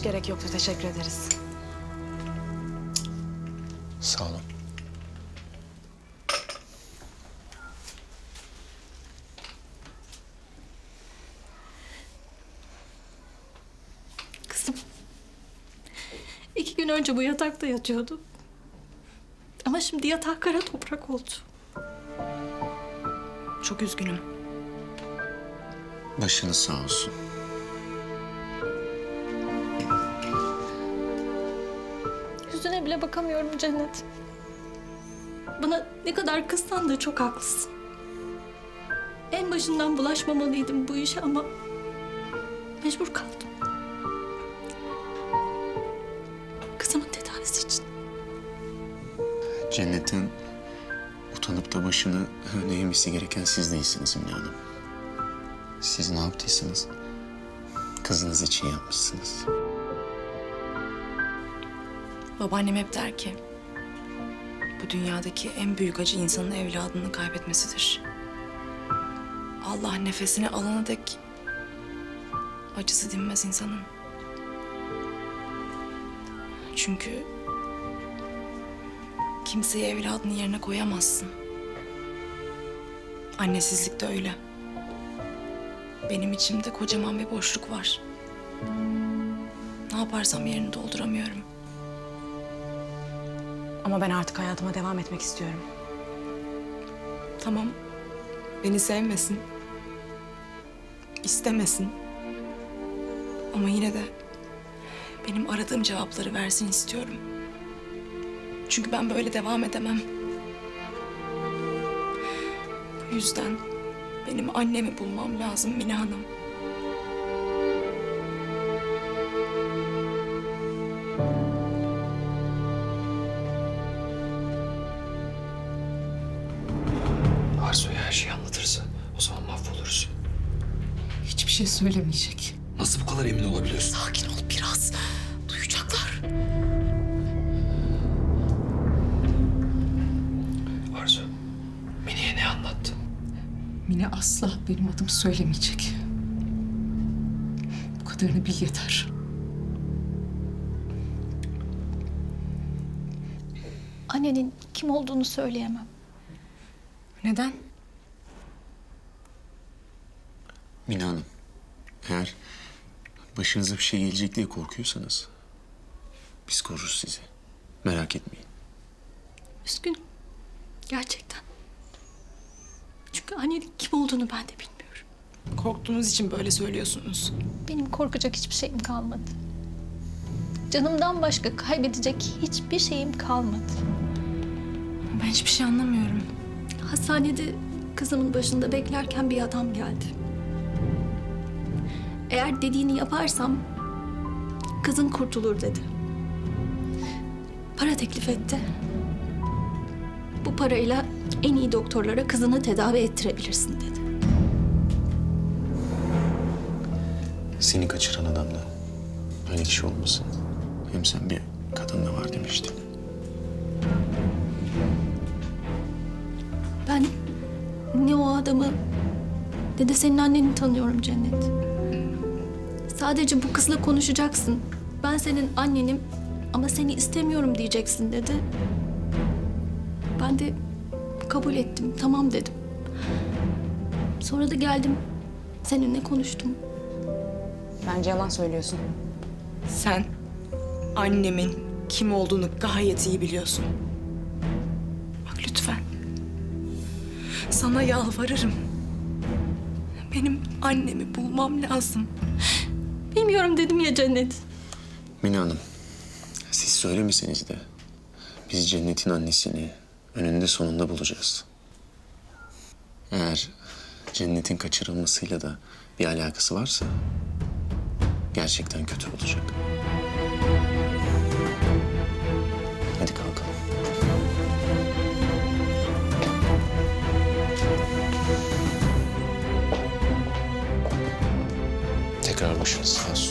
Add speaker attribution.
Speaker 1: Hiç gerek yoktu, teşekkür ederiz.
Speaker 2: Sağ olun.
Speaker 3: Kızım. 2 gün önce bu yatakta yatıyordu. Ama şimdi yatak kara toprak oldu.
Speaker 1: Çok üzgünüm.
Speaker 2: Başınız sağ olsun.
Speaker 3: Yüzüne bile bakamıyorum Cennet. Bana ne kadar kızsan da çok haklısın. En başından bulaşmamalıydım bu işe ama mecbur kaldım. Kızımın tedavisi için.
Speaker 2: Cennetin utanıp da başını öne eğmesi gereken siz değilsiniz Mine Hanım. Siz ne yaptıysanız kızınız için yapmışsınız.
Speaker 1: Babaannem hep der ki, bu dünyadaki en büyük acı insanın evladını kaybetmesidir. Allah nefesini alana dek acısı dinmez insanın. Çünkü kimseyi evladının yerine koyamazsın. Annesizlik de öyle. Benim içimde kocaman bir boşluk var. Ne yaparsam yerini dolduramıyorum. Ama ben artık hayatıma devam etmek istiyorum. Tamam, beni sevmesin, istemesin. Ama yine de benim aradığım cevapları versin istiyorum. Çünkü ben böyle devam edemem. Bu yüzden benim annemi bulmam lazım Mine Hanım.
Speaker 4: Arzu'ya her şeyi anlatırsa o zaman mahvoluruz.
Speaker 5: Hiçbir şey söylemeyecek.
Speaker 4: Nasıl bu kadar emin olabiliyorsun?
Speaker 5: Sakin ol biraz. Duyacaklar.
Speaker 4: Arzu, Mine'ye ne anlattı?
Speaker 5: Mine asla benim adımı söylemeyecek. Bu kadarını bil yeter.
Speaker 3: Annenin kim olduğunu söyleyemem.
Speaker 1: Neden?
Speaker 2: Mine Hanım, eğer başınıza bir şey gelecek diye korkuyorsanız biz koruruz sizi. Merak etmeyin.
Speaker 3: Üzgünüm. Gerçekten. Çünkü annenin kim olduğunu ben de bilmiyorum.
Speaker 1: Korktuğunuz için böyle söylüyorsunuz.
Speaker 3: Benim korkacak hiçbir şeyim kalmadı. Canımdan başka kaybedecek hiçbir şeyim kalmadı.
Speaker 1: Ben hiçbir şey anlamıyorum.
Speaker 3: Hastanede kızımın başında beklerken bir adam geldi. Eğer dediğini yaparsam kızın kurtulur dedi. Para teklif etti. Bu parayla en iyi doktorlara kızını tedavi ettirebilirsin dedi.
Speaker 2: Seni kaçıran adamla öyle kişi olmasın. Hem sen bir kadın da var demiştin.
Speaker 3: Ben ne o adamı ne de senin anneni tanıyorum Cennet. Sadece bu kızla konuşacaksın. Ben senin annenim ama seni istemiyorum diyeceksin dedi. Ben de kabul ettim, tamam dedim. Sonra da geldim, seninle konuştum.
Speaker 1: Bence yalan söylüyorsun. Sen annemin kim olduğunu gayet iyi biliyorsun. Bak lütfen. Sana yalvarırım. Benim annemi bulmam lazım.
Speaker 3: Bilmiyorum dedim ya Cennet.
Speaker 2: Mine Hanım, siz söylemeseniz de biz Cennet'in annesini önünde sonunda bulacağız. Eğer Cennet'in kaçırılmasıyla da bir alakası varsa gerçekten kötü olacak. Hadi kalkalım. Tekrar başınız sağ olsun.